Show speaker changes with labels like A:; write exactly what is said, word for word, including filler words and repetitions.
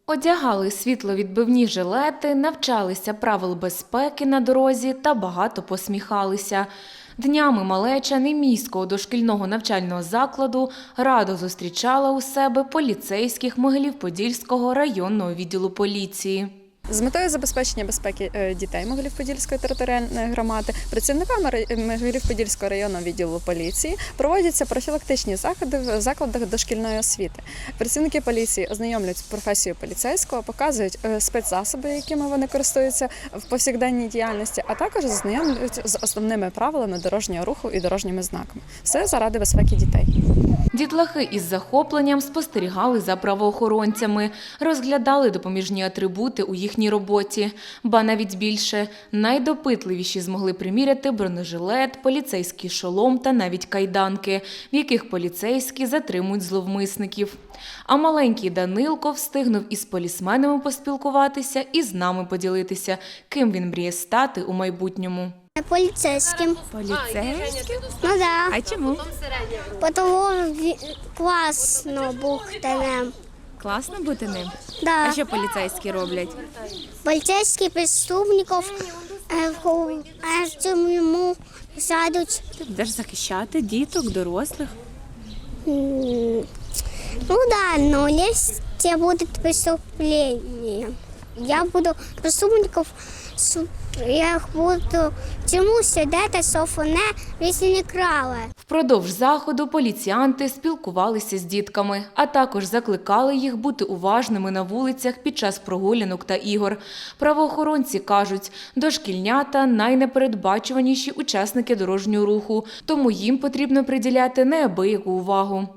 A: Одягали світловідбивні жилети, навчалися правил безпеки на дорозі та багато посміхалися. Днями малеча Немійського дошкільного навчального закладу радо зустрічала у себе поліцейських Могилів-Подільського районного відділу поліції.
B: З метою забезпечення безпеки дітей Могилів-Подільської територіальної громади працівниками Могилів-Подільського районного відділу поліції проводяться профілактичні заходи в закладах дошкільної освіти. Працівники поліції ознайомлюють з професією поліцейського, показують спецзасоби, якими вони користуються в повсякденній діяльності, а також ознайомлюють з основними правилами дорожнього руху і дорожніми знаками. Все заради безпеки дітей.
A: Дітлахи із захопленням спостерігали за правоохоронцями, розглядали допоміжні атрибути у їхній роботі. Ба навіть більше, найдопитливіші змогли приміряти бронежилет, поліцейський шолом та навіть кайданки, в яких поліцейські затримують зловмисників. А маленький Данилко встигнув із полісменами поспілкуватися і з нами поділитися, ким він мріє стати у майбутньому.
C: Поліцейським.
D: Поліцейським?
C: Ну да.
D: А чому?
C: Тому класно бути ним.
D: Класно бути ним?
C: Да.
D: А що поліцейські роблять?
C: Поліцейські преступників йому садуть.
D: Ти будеш захищати діток, дорослих?
C: Ну да, но если будут преступления, я буду преступников, я их буду тюрьму сидіти, щоб вони якщо не крали.
A: Впродовж заходу поліціянти спілкувалися з дітками, а також закликали їх бути уважними на вулицях під час прогулянок та ігор. Правоохоронці кажуть, дошкільнята – найнепередбачуваніші учасники дорожнього руху, тому їм потрібно приділяти неабияку увагу.